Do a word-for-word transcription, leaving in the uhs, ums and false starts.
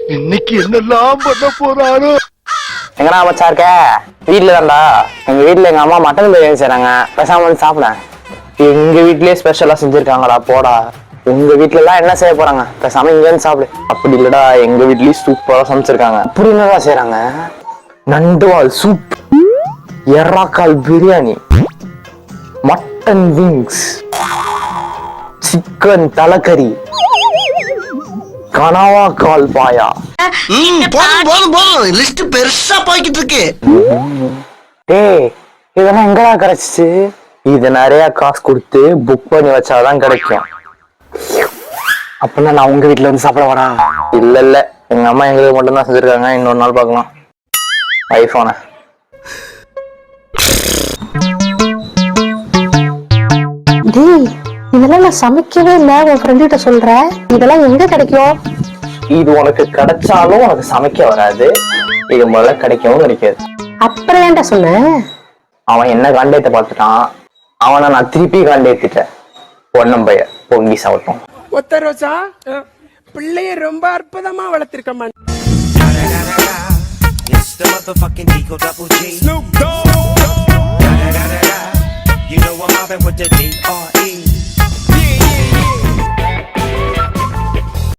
இன்னைக்கு என்னெல்லாம் பண்ண போறாரோ. எங்கடா மச்சா இருக்க? வீட்டுல தான்டா. எங்க வீட்டுல எங்க அம்மா மட்டன் பிரியாணி செய்றாங்க, பேசாம வந்து சாப்பிட. எங்க வீட்லயே ஸ்பெஷலா செஞ்சிருக்காங்கடா, போடா. உங்க வீட்டுல எல்லாம் என்ன செய்ய போறாங்க, பேசாம இங்க வந்து சாப்பிடு. அப்படி இல்லடா, எங்க வீட்லயும் சூப்பரா சமைச்சிருக்காங்க. அப்படி என்னதான் செய்யறாங்க? நண்டுவால் சூப், எறாக்கால் பிரியாணி, மட்டன் விங்ஸ், சிக்கன் தலைக்கறி, கனவா கால் பாயா. போதும் போதும் போதும், லிஸ்ட் பெருசா போய்கிட்டு இருக்கு. டேய், இதெல்லாம் எங்கடா கிடைச்சிச்சு? இது நிறைய காசு கொடுத்து புக் பண்ணி வச்சாதான் கிடைக்கும். அப்படின்னா நான் உங்க வீட்டுல வந்து சாப்பிட வரா? இல்ல இல்ல, எங்க அம்மா எங்களுக்கு மட்டும் தான் செஞ்சிருக்காங்க. இன்னொரு நாள் பார்க்கலாம். ஐபோன டேய், இதெல்லாம் நான் சமைக்கவே இல்ல, உன் ஃப்ரெண்ட் கிட்ட சொல்ற. இதெல்லாம் எங்க கிடைக்கும்? இது உனக்கு கிடைச்சாலும் உனக்கு சமைக்க வராது. இது முதல்ல கிடைக்கவும் கிடைக்காது. அப்புறம் ஏன்டா சொன்ன? அவன் என்ன காண்டேத்த பார்த்துட்டான், அவனை நான் திருப்பி காண்டேத்திட்டேன். ஒன்னும் பைய பொங்கி சாப்பிட்டோம். ஒத்த ரோசா பிள்ளைய ரொம்ப அற்புதமா வளர்த்திருக்கமா. Snoop Dogg. You know I'm mobbing with the D R